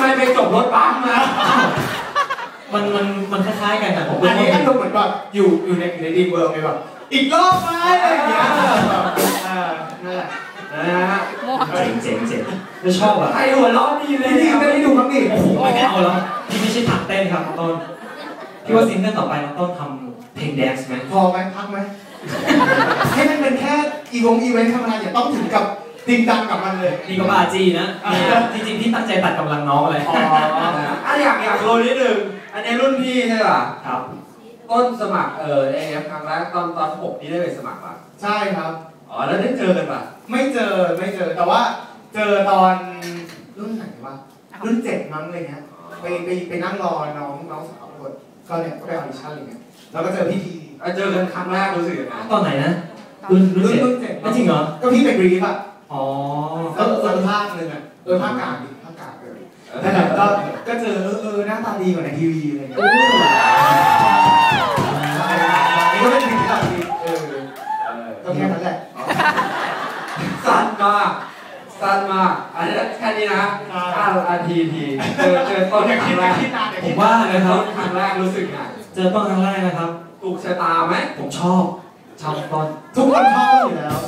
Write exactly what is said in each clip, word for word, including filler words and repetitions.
ไมไปจบรถบัสมามันมันมันคล้ายๆกันแต่ผมอันนี้อารมณ์เหมือนแบบอยู่อยู่ในอยู่ในดีเวิร์กไงแบบอีกรอบไหมอะไรอย่างเงี้ยอ่านั่นแหละนะฮะเจ๋งเจ๋งเจ๋งไม่ชอบอ่ะใครหัวร้อนดีเลยจริงๆไม่ได้ดูครับนี่โอ้โหไม่เอาแล้วพี่ไม่ใช่ถักเต้นครับต้นพี่ว่าซิงเกิลต่อไปเราต้องทำเพลงแดนซ์ไหมพอไหมพักไหมให้มันเป็นแค่อีวงอีเวนต์ธรรมดาอย่าต้องถึงกับจริงจังกับมันเลยนี่ก็บาจีนะจริงๆพี่ตั้งใจตัดกำลังน้องเลยอ๋ออ่ะอยากอยากรู้นิดนึงอันนี้รุ่นพี่ใช่ป่ะครับต้นสมัครเออเอฟครั้งแรกตอนตอนหกนี่ได้ไปสมัครป่ะใช่ครับอ๋อแล้วได้เจอกันป่ะไม่เจอไม่เจอแต่ว่าเจอตอนรุ่นไหนวะรุ่นเจ็ดมั้งอะไรเงี้ยไปไปไปนั่งรอน้องน้องสาวคนก็เนี่ยก็ไปออดิชั่นอะไรเงี้ยแล้วก็เจอพี่ทีเจอกันครั้งแรกรู้สึกยังไงตอนไหนนะรุ่นรุ่นเจ็ดจริงเหรอก็พี่เป็นบรีฟอ่ะอ๋อเออเออภาคนึงอ่ะเออภาคกลางดิภาคกลางเออแต่แบบก็ก็เจอเออเออหน้าตาดีกว่าในทีวีอะไรเงี้ยนี่ก็เป็นสิ่งที่เราดีเออก็แค่นั้นแหละสั้นมากสั้นมากอันนี้แค่นี้นะห้านาทีทีเจอเจอต้นครั้งแรกผมว่านะครับครั้งแรกรู้สึกไงเจอต้นครั้งแรกนะครับถูกชะตาไหมผมชอบชอบต้นทุกคนชอบต้นอยู่แล้ว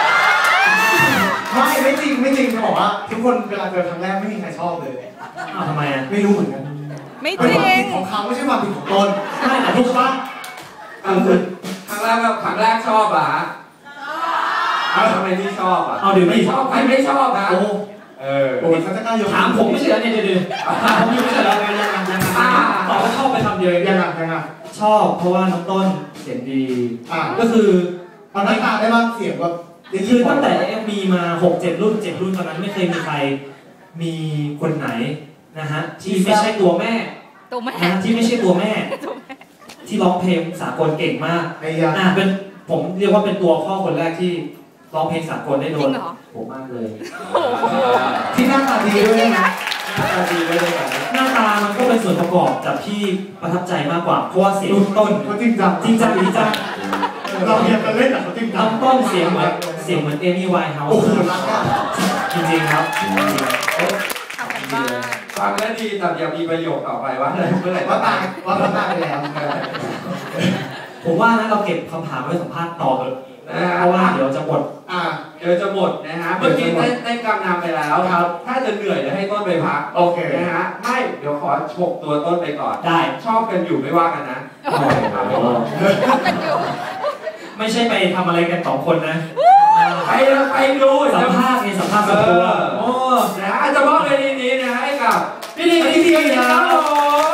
ไม่ไม่จริงไม่จริงจะบอกว่าทุกคนเวลาเจอครั้งแรกไม่มีใครชอบเลยอ้าวทำไมอ่ะไม่รู้เหมือนกันไม่จริงของเขาไม่ใช่ความผิดของตนใช่แต่ทุกครั้งครั้งแรกแบบครั้งแรกชอบอ่ะทำไมที่ชอบอ่ะเอาเดี๋ยวไม่ชอบใครไม่ชอบนะโอ้เออโอ้ยเขาจะกล้ายกถามผมไม่ใช่แล้วเนี่ยเดี๋ยวถามผมอยู่ไม่ใช่แล้วยังยังยังตอบว่าชอบไปทำเดียวยังยังยังชอบเพราะว่าน้องต้นเสียงดีก็คือเอาหน้าตาได้บ้างเสียงแบบคือตั้งแต่เอ็มมีมาหกเจ็ดรุ่นเจ็ดรุ่นตอนนั้นไม่เคยมีใครมีคนไหนนะฮะที่ไม่ใช่ตัวแม่ตัวแม่ที่ไม่ใช่ตัวแม่ที่ร้องเพลงสากลเก่งมากอ่าเป็นผมเรียกว่าเป็นตัวพ่อคนแรกที่ร้องเพลงสากลได้โดนผมมากเลยที่หน้าตาดีด้วยนะหน้าตาดีด้วยหน้าตามันก็เป็นส่วนประกอบจากที่ประทับใจมากกว่าเพราะว่าเสียงต้นเขาจริงจังจริงจังจริงจังเราเรียนกันเล่นแต่เขาจริงจังต้นเสียงเหมือนเสียงเหมือนเอมี่ไวน์เฮาส์จริงๆครับฟังแล้วดีแต่อย่ามีประโยคต่อไปว่าอะไรเมื่อไหร่ว่าตายว่าตายไปแล้วผมว่านะเราเก็บคำถามไว้สัมภาษณ์ต่อเลยเพราะว่าเดี๋ยวจะหมดอ่าเดี๋ยวจะหมดนะฮะเมื่อกี้ได้ได้กำนำไปแล้วครับถ้าจะเหนื่อยจะให้ต้นไปพักโอเคนะฮะไม่เดี๋ยวขอฉกตัวต้นไปก่อนได้ชอบกันอยู่ไม่ว่ากันนะไม่ใช่ไปทำอะไรกันสองคนนะไปไปดูสัมภาษณ์ไงสัมภาษณ์ส่วนตัวโอ้นะอาจจะมอบในนี้นะให้กับพี่ดีพี่ดีนะครับ